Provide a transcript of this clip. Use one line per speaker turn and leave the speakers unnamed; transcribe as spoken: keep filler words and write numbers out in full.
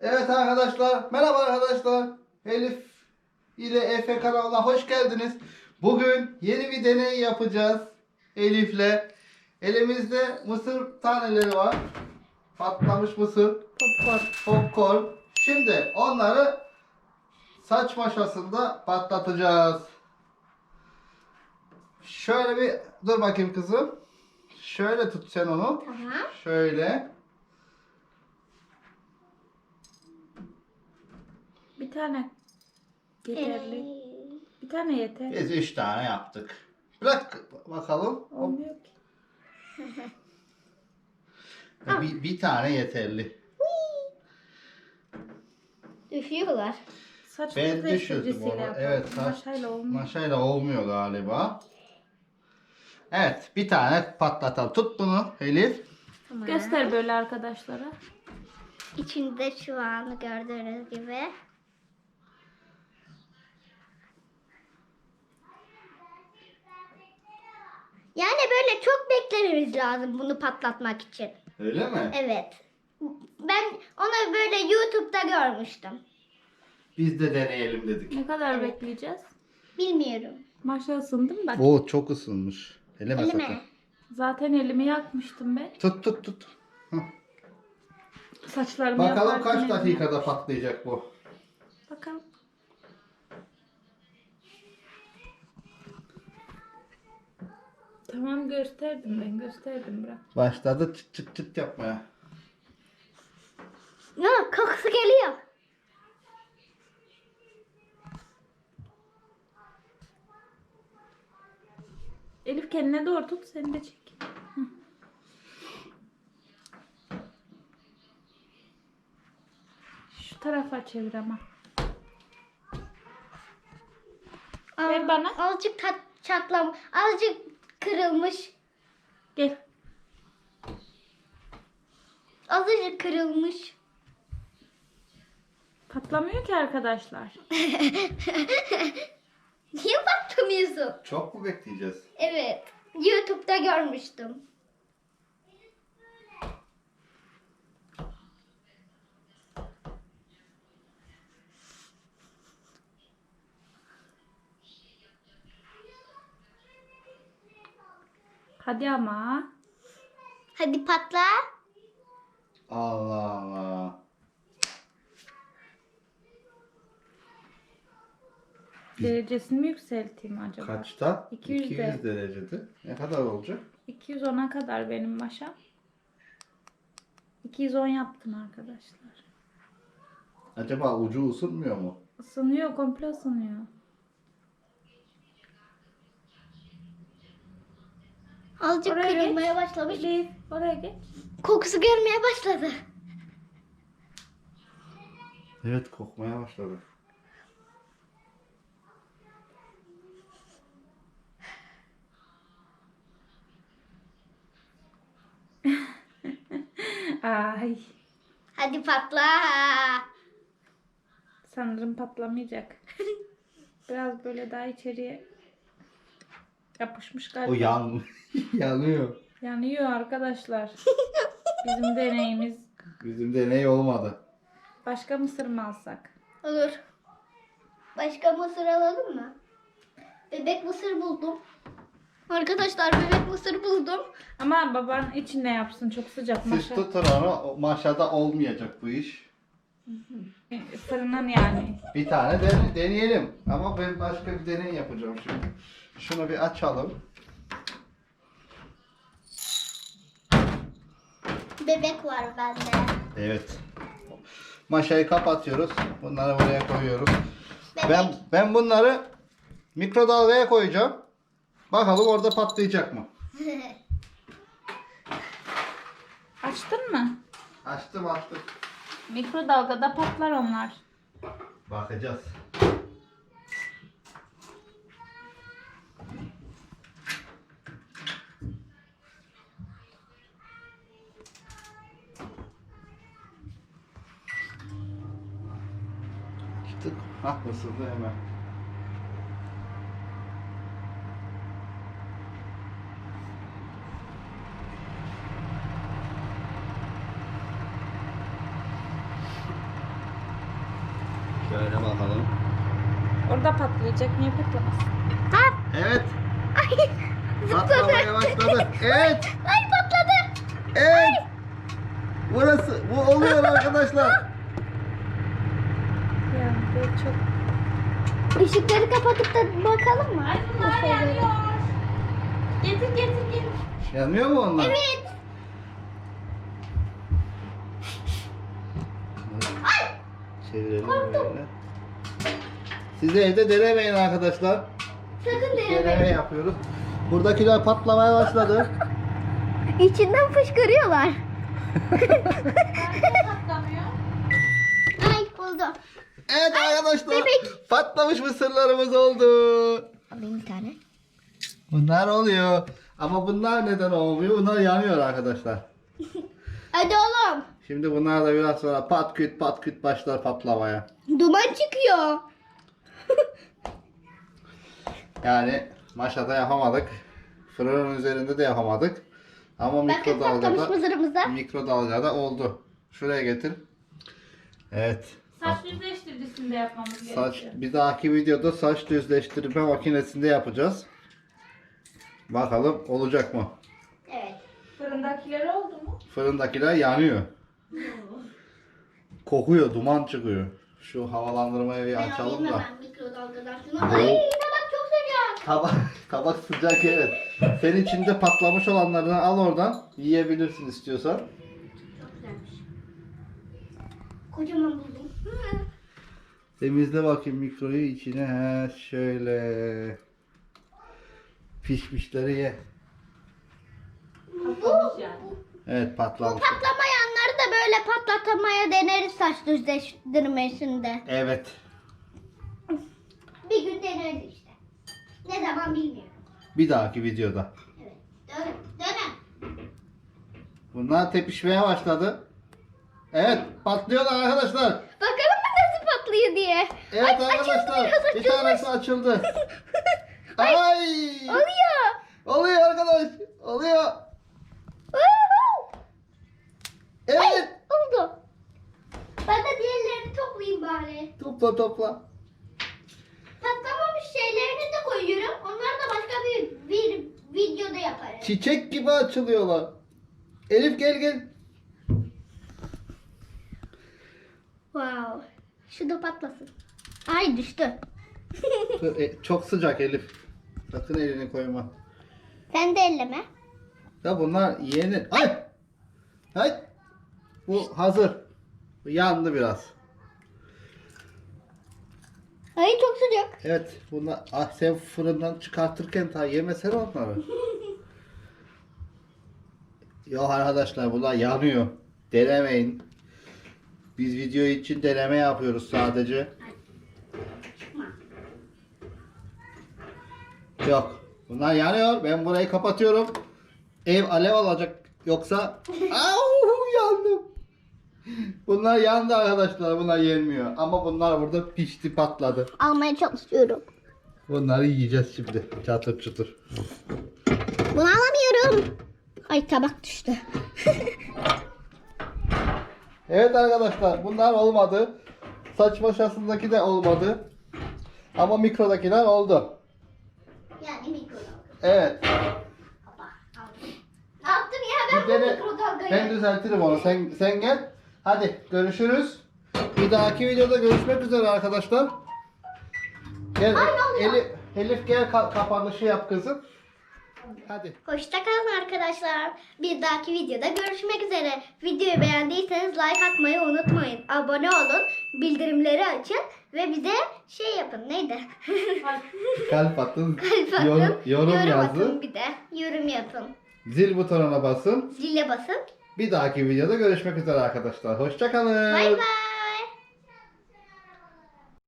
Evet arkadaşlar, merhaba arkadaşlar. Elif ile Efe kanalına hoş geldiniz. Bugün yeni bir deney yapacağız Elif'le. Elimizde mısır taneleri var. Patlamış mısır,
Popcorn.
popcorn. Şimdi onları saç maşasında patlatacağız. Şöyle bir dur bakayım kızım. Şöyle tut sen onu.
Tamam.
Şöyle.
Bir tane yeterli.
Ee,
Bir tane yeter.
Biz üç tane yaptık. Bırak bakalım.
Olmuyor ki.
Bir, bir tane yeterli.
Düşüyorlar.
Saç
Ben
düzleştiricisiyle
düşürdüm onu.
yapalım.
Evet, saç
Maşayla olmuyor.
maşayla olmuyor galiba. Evet, bir tane patlatalım. Tut bunu Elif.
Tamam.
Göster böyle arkadaşlara.
İçinde şu an gördüğünüz gibi. Yani böyle çok beklememiz lazım bunu patlatmak için.
Öyle mi?
Evet. Ben onu böyle YouTube'da görmüştüm.
Biz de deneyelim dedik.
Ne kadar bekleyeceğiz?
Bilmiyorum.
Maşa ısındı mı bak.
Oo, çok ısınmış. Eleme
Elime.
sakın.
Zaten elimi yakmıştım ben.
Tut tut tut. Hı.
Saçlarımı
Bakalım
yaparken
kaç
elimi-
dakikada patlayacak bu.
Bakalım. Tamam gösterdim ben gösterdim bırak.
Başladı çıt çıt çıt yapmaya.
Ya kokusu geliyor.
Elif kendine doğru tut seni de çek. Hı. Şu tarafa çevir ama. Ver
Aa,
bana.
Azıcık tat, çatlam, azıcık kırılmış.
Gel.
Azıcık kırılmış.
Patlamıyor ki arkadaşlar.
Niye patlamıyorsun?
Çok mu bekleyeceğiz?
Evet. YouTube'da görmüştüm.
Hadi ama.
Hadi patla.
Allah Allah.
Derecesini mi yükselteyim acaba?
Kaçta?
iki yüzde.
iki yüz derecede. Ne kadar olacak?
iki yüz ona kadar benim maşam. iki yüz on yaptım arkadaşlar.
Acaba ucu ısınmıyor mu?
Isınıyor, komple ısınıyor.
Azıcık
Oraya
kırılmaya
geç.
başlamış.
Elif, oraya geç.
Kokusu gelmeye başladı.
Evet, kokmaya başladı.
Ay,
Hadi patla.
sanırım patlamayacak. Biraz böyle daha içeriye yapışmış galiba.
O yan yanıyor.
Yanıyor arkadaşlar. Bizim deneyimiz.
Bizim deney olmadı.
Başka mısır mı alsak?
Olur. Başka mısır alalım mı? Bebek mısır buldum. Arkadaşlar bebek mısır buldum.
Ama baban içinde yapsın, çok sıcak
Siz
maşa.
tutun onu. o Maşada olmayacak bu iş.
Fırının yani.
Bir tane dene- deneyelim. Ama ben başka bir deney yapacağım şimdi. Şunu bir açalım.
Bebek var bende.
Evet. Maşayı kapatıyoruz. Bunları buraya koyuyoruz.
Bebek.
Ben ben bunları mikrodalgaya koyacağım. Bakalım orada patlayacak mı?
Açtın mı?
Açtım açtım.
Mikrodalgada patlar onlar.
Bakacağız. Tık. Hah, ısındı hemen. Şöyle bakalım.
Orada patlayacak. Niye patlamasın?
Ha,
Evet.
ay,
Patlamaya başladı. Evet.
ay patladı.
Evet. Burası. Bu oluyor arkadaşlar.
Yani böyle çok...
Işıkları kapatıp da bakalım mı?
Ay bunlar
Bu şeylere.
yanıyor. Getir getir getir.
Yanıyor mu onlar?
Evet.
Çevirelim böyle. Siz de evde denemeyin arkadaşlar.
Sakın
Deneme
deneme.
yapıyoruz. Buradakiler patlamaya başladı.
İçinden fışkırıyorlar.
Niye patlamıyor?
Ay buldum.
Evet arkadaşlar.
bebek.
Patlamış mısırlarımız oldu.
Alayım bir tane.
Bunlar oluyor. Ama bunlar neden olmuyor? Bunlar yanıyor arkadaşlar.
Hadi oğlum.
Şimdi bunlar da biraz sonra pat küt pat küt başlar patlamaya.
Duman çıkıyor.
Yani maşada yapamadık. Fırının üzerinde de yapamadık. Ama
Bakın patlamış
mikrodalgada
mızırımızda.
mikrodalgada oldu. Şuraya getir. Evet.
Saç düzleştiricisinde yapmamız
Saç
gerekiyor.
bir dahaki videoda saç düzleştirme makinesinde yapacağız. Bakalım olacak mı?
Evet.
Fırındakiler oldu mu?
Fırındakiler yanıyor. Kokuyor, duman çıkıyor. Şu havalandırmayı bir
Ben
açalım
alayım
da.
hemen mikrodalgadan şunu. Ay tabak çok sıcak.
Tabak, tabak sıcak evet. Sen içinde patlamış olanlarını al oradan. Yiyebilirsin istiyorsan.
Çok güzelmiş. Kocaman buldum. Hı.
Temizle bakayım mikroyu içine. He, şöyle. Pişmişleri ye.
Patlamış yani.
Evet
Bu
patlamış.
patlamayanları da böyle patlatmaya deneriz saç düzleştirmesinde.
Evet.
Bir gün deneriz işte. Ne zaman bilmiyorum.
Bir dahaki videoda.
Evet. Dönün. Dönün.
Bunlar tepişmeye başladı. Evet patlıyorlar arkadaşlar.
Bakalım mı nasıl patlıyor diye.
Evet
Ay, açıldı
arkadaşlar.
biraz,
Bir
açılmış.
tanesi açıldı. Ay.
Oluyor.
Oluyor arkadaş. Oluyor.
Woohoo!
Evet.
Oldu. Ben de diğerlerini toplayayım bari.
Topla topla.
Patlamamış şeylerini de koyuyorum. Onları da başka bir, bir videoda yaparız.
Çiçek gibi açılıyorlar. Elif gel gel.
Wow. Şu da patlasın. Ay düştü.
E, Çok sıcak Elif. Sakın elini koyma.
Sen de elleme.
Ya bunlar yenir. Ay. Ay. Bu hazır. Bu yandı biraz.
Ay çok sıcak.
Evet. Bunlar ah, sen fırından çıkartırken ta yemesene onları. Yok arkadaşlar bunlar yanıyor. Denemeyin. Biz video için deneme yapıyoruz sadece. Yok. Bunlar yanıyor. Ben burayı kapatıyorum. Ev alev alacak. Yoksa au yandım. Bunlar yandı arkadaşlar. Bunlar yenmiyor. Ama bunlar burada pişti patladı.
Almaya çalışıyorum.
Bunları yiyeceğiz şimdi. Çatır çutur.
Bunu alamıyorum. Ay tabak düştü.
Evet arkadaşlar bunlar olmadı. Saç maşasındaki de olmadı. Ama mikrodakiler oldu.
Yani mikrodalga.
Evet.
Hoppa, aldım. Ne yaptım ya ben
Bir
bu
dene-
mikrodalgayı?
Ben düzeltirim onu. Sen sen gel. Hadi görüşürüz. Bir dahaki videoda görüşmek üzere arkadaşlar. Gel
Ay, ne oluyor?
Elif, Elif gel ka- kapanışı yap kızım. Hadi.
Hoşça kalın arkadaşlar. Bir dahaki videoda görüşmek üzere. Videoyu beğendiyseniz like atmayı unutmayın. Abone olun, bildirimleri açın ve bize şey yapın. Neydi?
Kalp atın.
Kalp atın.
Yorum, yorum
atın
yazın.
bir de. Yorum yapın.
Zil butonuna basın.
Zile basın.
Bir dahaki videoda görüşmek üzere arkadaşlar. Hoşça kalın.
Bay bay.